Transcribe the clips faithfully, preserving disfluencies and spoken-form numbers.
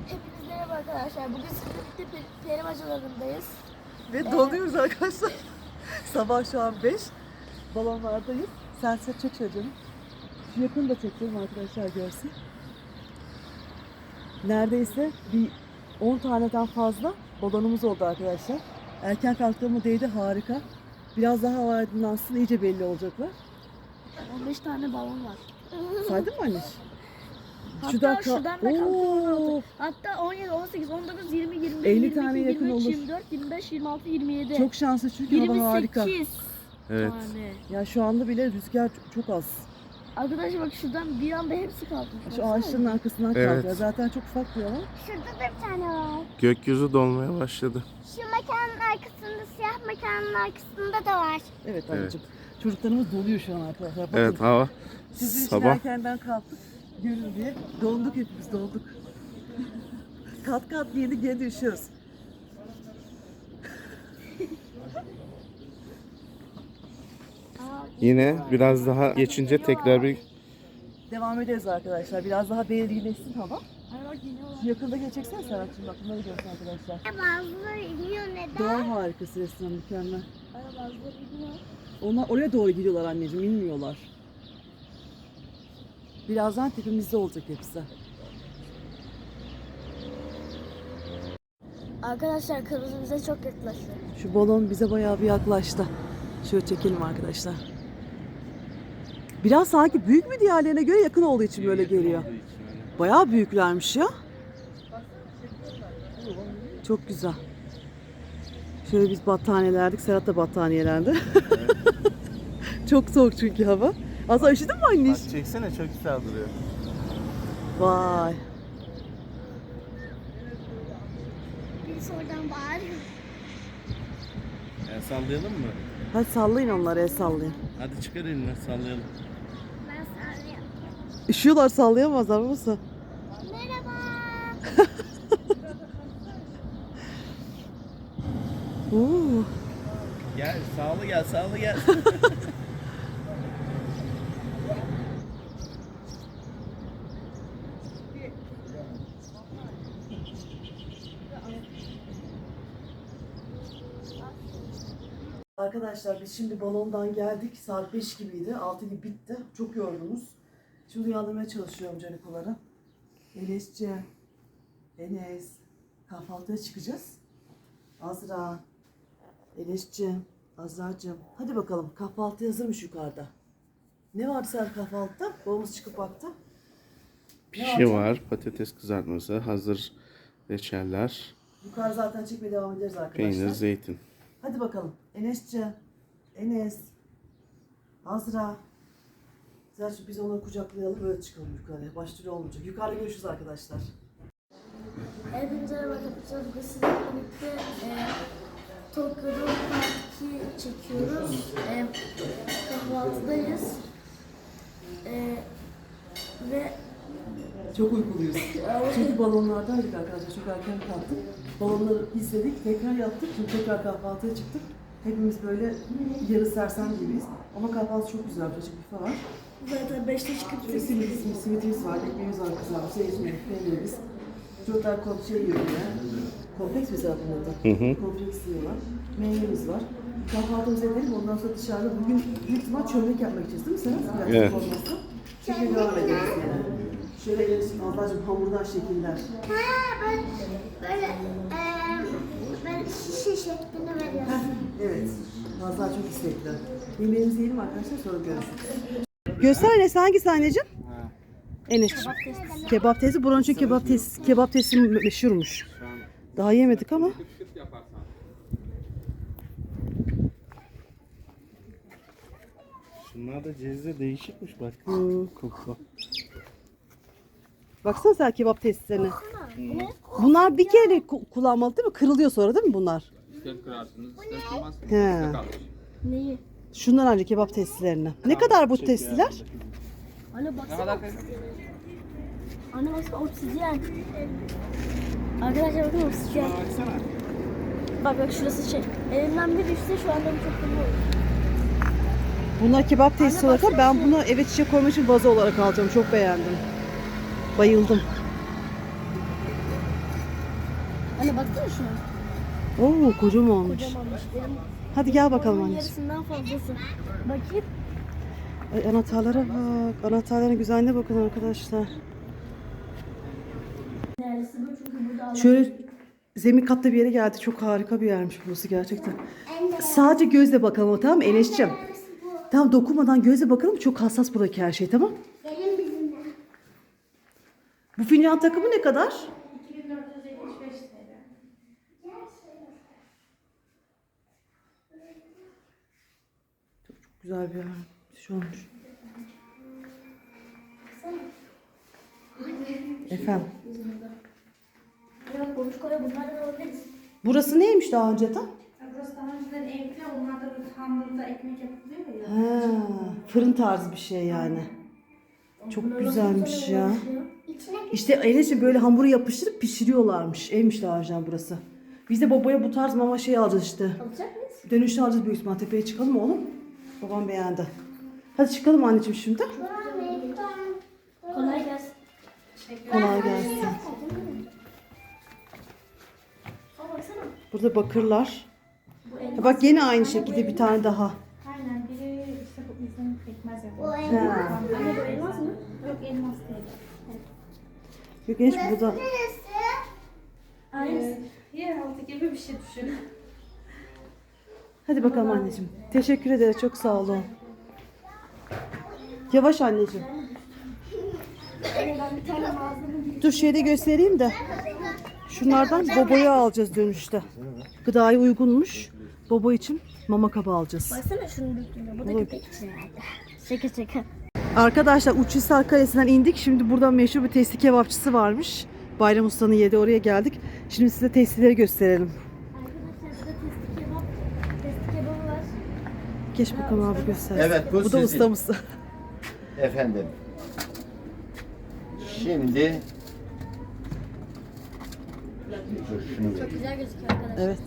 Hepinize merhaba arkadaşlar. Bugün sizinle birlikte peri bacalarındayız. Ve donuyoruz arkadaşlar. Sabah şu an beş. Balonlardayız. Sen sen çek şöyle canım. Şu yakını da çekelim arkadaşlar görsün. Neredeyse bir on taneden fazla balonumuz oldu arkadaşlar. Erken kalktığıma değdi, harika. Biraz daha hava aydınlansın, iyice belli olacaklar. on beş tane balon var. Saydın mı anne? Hatta Şuradan kal- şuradan da Oo. kalktı. Hatta on yedi, on sekiz, on dokuz, yirmi, yirmi bir, elli yirmi tane iki, yakın yirmi üç, olur. yirmi dört, yirmi beş, yirmi altı, yirmi yedi. Çok şanslı çünkü hava harika. yirmi sekiz Evet. tane. Ya şu anda bile rüzgar çok az. Arkadaşlar bak şuradan bir anda hepsi kalkmış. Şu Baksana. ağaçların arkasından Evet. kalkıyor. Zaten çok ufak bir alan. Şurada da bir tane var. Gökyüzü dolmaya başladı. Şu mekanın arkasında, siyah mekanın arkasında da var. Evet anneciğim. Çocuklarımız doluyor şu an arkadaşlar. Bakın. Evet, hava Sizin için sabah erkenden kalktık. Görün diye. Donduk hepimiz donduk. kat kat giydik gene de üşüyoruz. yine biraz daha geçince tekrar bir Devam ederiz arkadaşlar. Biraz daha belirginleşsin hava. Ay bak iniyorlar. Şu yakında geçeceksene Serhat'cığım. Bak bunları görsün arkadaşlar. Bazıları iniyor neden? Doğa harikası restoran, mükemmel. Ay bazıları iniyor. Onlar oraya doğru gidiyorlar anneciğim. İnmiyorlar. Birazdan tepemizde olacak hepsi. Arkadaşlar kırmızı bize çok yaklaştı. Şu balon bize bayağı bir yaklaştı. Şöyle çekelim arkadaşlar. Biraz sanki büyük mü diğerlerine göre, yakın olduğu için böyle geliyor. Bayağı büyüklermiş ya. Çok güzel. Şöyle biz battaniyelerdik. Serhat da battaniyelendi. Çok soğuk çünkü hava. Aslında üşüdün mü anne? Bak çeksene, çok güzel duruyor. Vay. Birisi oradan bağırıyor. Yani sallayalım mı? Hadi sallayın onları, el sallayın. Hadi çıkar elini, sallayalım. Ben sarıyorum. Üşüyorlar, sallayamazlar mısın? Merhaba. Oo. Gel, sağlı gel, sağlı gel. Arkadaşlar biz şimdi balondan geldik. Saat beş gibiydi. altı gibi bitti. Çok yorgunuz. Şimdi uyandırmaya çalışıyorum canikoları. Enes'ciğim. Enes. Kahvaltıya çıkacağız. Azra. Enes'ciğim. Azra'cığım. Hadi bakalım. Kahvaltı hazırmış yukarıda. Ne vardı sen kahvaltıda? Babamız çıkıp baktı. Pişi var, patates kızartması, hazır reçeller, Yukarı zaten çekmeye devam ederiz arkadaşlar. peynir, zeytin. Hadi bakalım. Enes'ciğim. Enes. Azra. Zaten biz onları kucaklayalım, böyle çıkalım yukarıya. Başlıyor olmayacak. Yukarıda görüşürüz arkadaşlar. Hepinize merhaba arkadaşlar. Bugün sizinle birlikte e, Tokyo'da parti çekiyoruz. E, kahvaltıdayız. E, ve Çok uykuluyuz. Çünkü balonlardaydık arkadaşlar. Çok erken kalktık. Balonları izledik. Tekrar yaptık. Şimdi tekrar kahvaltıya çıktık. Hepimiz böyle yarı sersem gibiyiz. Ama kahvaltı çok güzel. Açık büfe var. zaten beşte çıkıp İşte simit, simitimiz var, ekmeğimiz var kızarmış, zeytinimiz, peynirimiz. Çocuklar kom şey yiyor yine. Kompleks mi zaten burada? Hı hı. Kompleks yiyorlar. Meyvemiz var. Kahvaltımızı edelim, ondan sonra dışarıda bugün büyük ihtimal çömlek yapmak için değil mi Serhat? Biraz Evet. olmazsa. Şimdi devam ederiz yani. Şöyle gelirsin ablacığım, hamurdan şekiller. Ha ben böyle eee ben şişe şeklinde veriyorum. Evet. Fazla çok istekli. Yemeğimizi yiyelim arkadaşlar, sonra görüşürüz. Göster Enes, hangisi anneciğim? Enes. Kebap testi. Buranın çünkü kebap testi, kebap testi meşhurmuş. Daha yemedik ama. Şunlar da cezve değişikmiş bak. Hmm. Koku. Baksana sen kebap testlerine. Bunlar bir kere ku- kullanmalı değil mi? Kırılıyor sonra değil mi bunlar? İster kırarsınız, ister kırmazsınız. He. Size kalmış. neyi? Şundan önce kebap testilerine. Ne kadar bu testiler? Anne Ne baksana. kadar kız? Anne baksana obsidyen. Arkadaşlar bakın obsidyen. Baksana. Bak bak şurası şey. Elimden bir düşse şu anda bu çok kötü olur. Bunlar kebap testi olarak ama ben bunu eve çiçek koymak için vazo olarak alacağım. Çok beğendim. Bayıldım. Anne baksana şu an. Oo kocaman olmuş. Kocamanmış. Benim Hadi gel bakalım onun anneciğim. yarısından fazlası. Bakayım. Ay, anahtarlara bak. Anahtarların güzelliğine bakın arkadaşlar. Neresi bu? Çünkü burada Şöyle zemin katta bir yere geldi. Çok harika bir yermiş burası gerçekten. Sadece gözle bakalım, tamam mı Enes'ciğim? Tamam, dokunmadan gözle bakalım. Çok hassas buradaki her şey, tamam. Gelin bizimle. Bu fincan takımı ne kadar? iki bin dört yüz yetmiş beş T L. Güzel bir yer. Şey olmuş. Efendim. Yok konuş koya bunlardan alabiliriz. Burası neymiş daha önceden? Burası daha önceden evde, onlar da böyle tandırda ekmek yapılıyor ya. Ha, fırın tarzı bir şey yani. Çok Bunlar güzelmiş nasıl ya. çalışıyor? İçine İşte Enes'ciğim böyle hamuru yapıştırıp pişiriyorlarmış. Evmiş daha önceden burası. Biz de babaya bu tarz mama şey alacağız işte. Alacak mıyız? Dönüşte alacağız büyük ihtimal. Tepeye çıkalım mı oğlum? Babam beğendi. Hadi çıkalım anneciğim şimdi. Kolay gelsin. Kolay gelsin. Aa baksana. Burada bakırlar. Bu el. Ya bak yine aynı şekilde bir tane daha. Aynen, biri işte bu izin pekmez o yapıyor. elma. Ha. Anne bu elmas mı? Yok, elmas değil. Yok Enes burada. Neresi? Aynısı. Yeraltı gibi bir şey düşün. Hadi bakalım anneciğim. Teşekkür ederiz. Çok sağ olun. Yavaş anneciğim. Anne ben bir tane malzeme Dur şeyde göstereyim de. Şunlardan Bobo'ya alacağız dönüşte. Gıdaya uygunmuş. Bobo için mama kabı alacağız. Baksana şunun büyüklüğüne. Bu da Olur. köpek için herhalde. Şaka şaka. Arkadaşlar Uçhisar Kalesi'nden indik. Şimdi burada meşhur bir testi kebapçısı varmış. Bayram Usta'nın yedi, oraya geldik. Şimdi size testileri gösterelim. Arkadaşlar burada testi kebap. Testi kebabı var. Geç bakalım abi göster. Evet, bu bu da sizin. ustamız. Efendim. Şimdi Dur, şunu ver. Çok güzel gözüküyor arkadaşlar. Evet.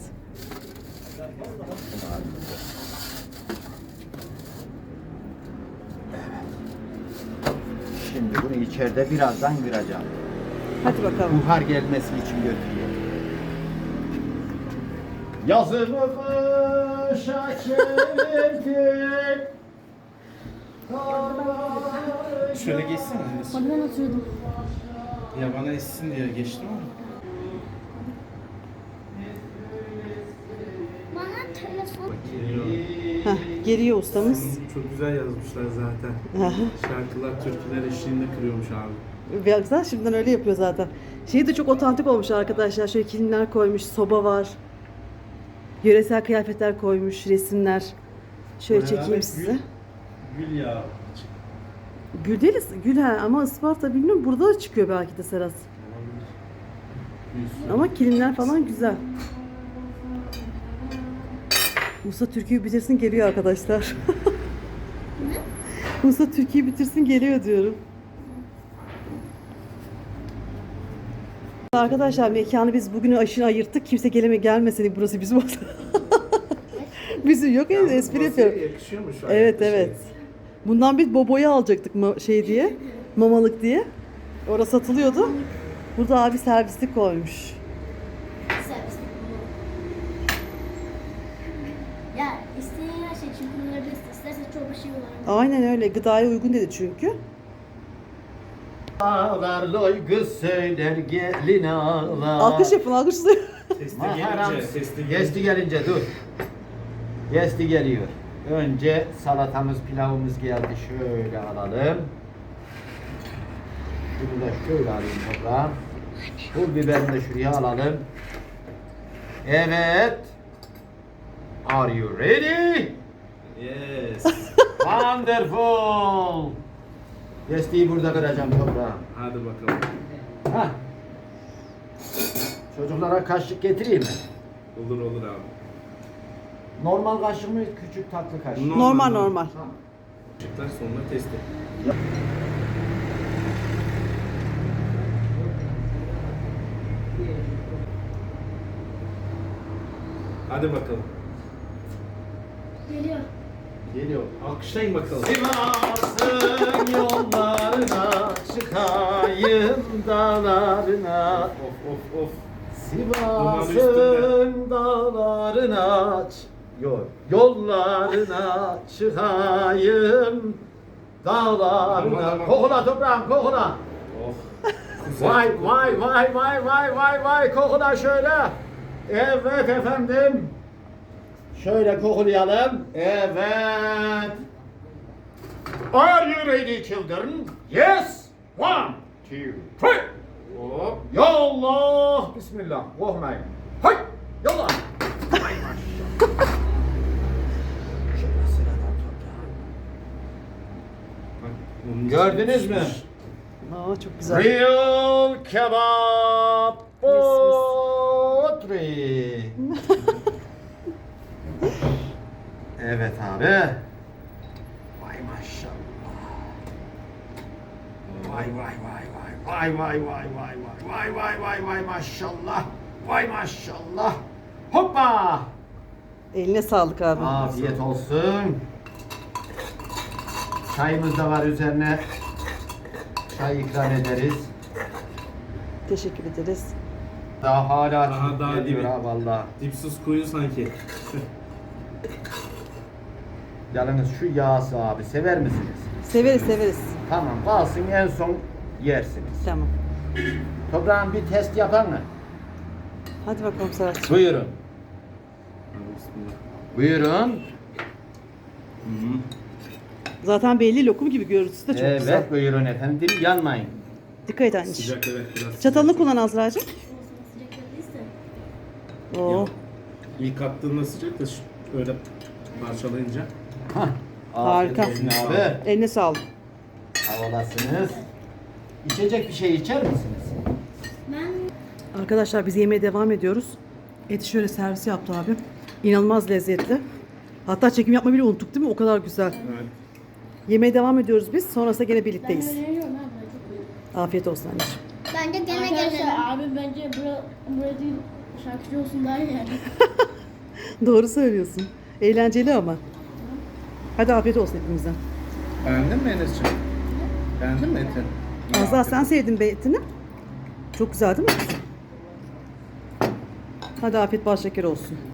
Şimdi bunu içeride birazdan kıracağım. Hadi bakalım. Buhar gelmesi için götürüyor. Yazımı kışa çevirdik. Şöyle geçsene. Hadi ben oturdum. Ya bana essin diye geçtim ama. Bana telefon. Heh, geliyor ustamız. Çok güzel yazmışlar zaten. Aha. Şarkılar, türküler eşliğinde kırıyormuş abi. Bir güzel, şimdiden öyle yapıyor zaten. Şey de çok otantik olmuş arkadaşlar. Şöyle kilimler koymuş, soba var. Yöresel kıyafetler koymuş, resimler. Şöyle Bayağı çekeyim bir size. Gül, gül yağı. Gül değil, gül ha ama Isparta bilmiyorum, burada da çıkıyor belki de Serhat. Gülsün. Ama kilimler falan güzel. Musa Türkiye'yi bitirsin geliyor arkadaşlar. Musa Türkiye'yi bitirsin geliyor diyorum. Arkadaşlar mekanı biz bugün aşırı ayırttık. Kimse geleme gelmesin, burası bizim olsun. Bizim yok ya, espri yapıyorum. Yakışıyormuş. Evet şey. evet. Bundan biz Bobo'yu alacaktık ma- şey diye. Mamalık diye. Orası satılıyordu. Burada abi servislik koymuş. Servis. Ya isteyen her şey için kullanabilirsin. İstersen çorba şey olarak. Aynen öyle. Gıdaya uygun dedi çünkü. Ağlar loy kız söyler gelin ağlar. Alkış yapın, alkışlayın. Testi Maharam. gelince, testi gelince. Gesti gelince dur. Gesti geliyor. Önce salatamız, pilavımız geldi. Şöyle alalım. Bunu da şöyle alayım toprağım. Pul biberini de şuraya alalım. Evet. Are you ready? Yes. Wonderful. Gestiyi burada kıracağım toprağım. Hadi bakalım. Hah. Çocuklara kaşık getireyim mi? Olur olur abi. Normal kaşık mı, küçük tatlı kaşık? Normal, Normal normal. normal. Çıktılar sonra testi. Hadi bakalım. Geliyor. Geliyor. Alkışlayın bakalım. Sivas'ın yollarına çıkayım dağlarına. Of of of. Sivas'ın dağlarına ç- yok, yollarına çıkayım dağlarına. Aman, aman. Kokula toprağım kokula. Oh. Vay vay vay vay vay vay vay kokula şöyle. Evet efendim. Şöyle kokulayalım. Evet. Are you ready children? Yes. One, two, three. Hop. Ya Allah. Bismillah. Korkmayın. Hay. Yallah. Hay maşallah. Şöyle sıradan toprağım. Bak, onun Gördünüz içine mü? pişmiş. Aa çok güzel. Real kebap mis. potri. Evet abi. Vay maşallah. Vay vay vay vay vay vay vay vay vay vay vay vay vay maşallah. Vay maşallah. Hoppa. Eline sağlık abi. Afiyet olsun. Çayımız da var üzerine. Çay ikram ederiz. Teşekkür ederiz. Daha hala Daha- daha geliyor dibi. ha valla. Dipsiz kuyu sanki. Yalnız şu yağsı abi sever misiniz? Severiz severiz. Tamam kalsın en son yersiniz. Tamam. Toprağın bir test yapar mı? Hadi bakalım Serhat'cığım. Buyurun. Hadi bismillah. Buyurun. Zaten belli lokum gibi görüntüsü de çok evet güzel. buyurun efendim yanmayın. Dikkat et anneciğim. Sıcak evet biraz. Çatalını kullan Azra'cığım. Sıcak değilse. Oo. İlk attığında sıcak da şu- öyle parçalayınca. Hah. Harika. Afiyet olsun abi. Eline sağlık. Havalasınız. İçecek bir şey içer misiniz? Ben Arkadaşlar biz yemeğe devam ediyoruz. Eti şöyle servis yaptı abi. İnanılmaz lezzetli. Hatta çekim yapmayı bile unuttuk değil mi? O kadar güzel. Evet. Yemeğe devam ediyoruz biz. Sonrasında gene ben birlikteyiz. öneriyorum abi. Çok iyi. Afiyet olsun anneciğim. Bence gene Arkadaşlar gelelim. abi bence bura, bura değil şarkıcı olsun daha iyi yani. Doğru söylüyorsun. Eğlenceli ama. Hadi afiyet olsun hepimize. Beğendin mi Enes'ciğim? Beğendin mi eti? Azra sen sevdin be etini. Çok güzel değil mi? Hadi afiyet bal şeker olsun.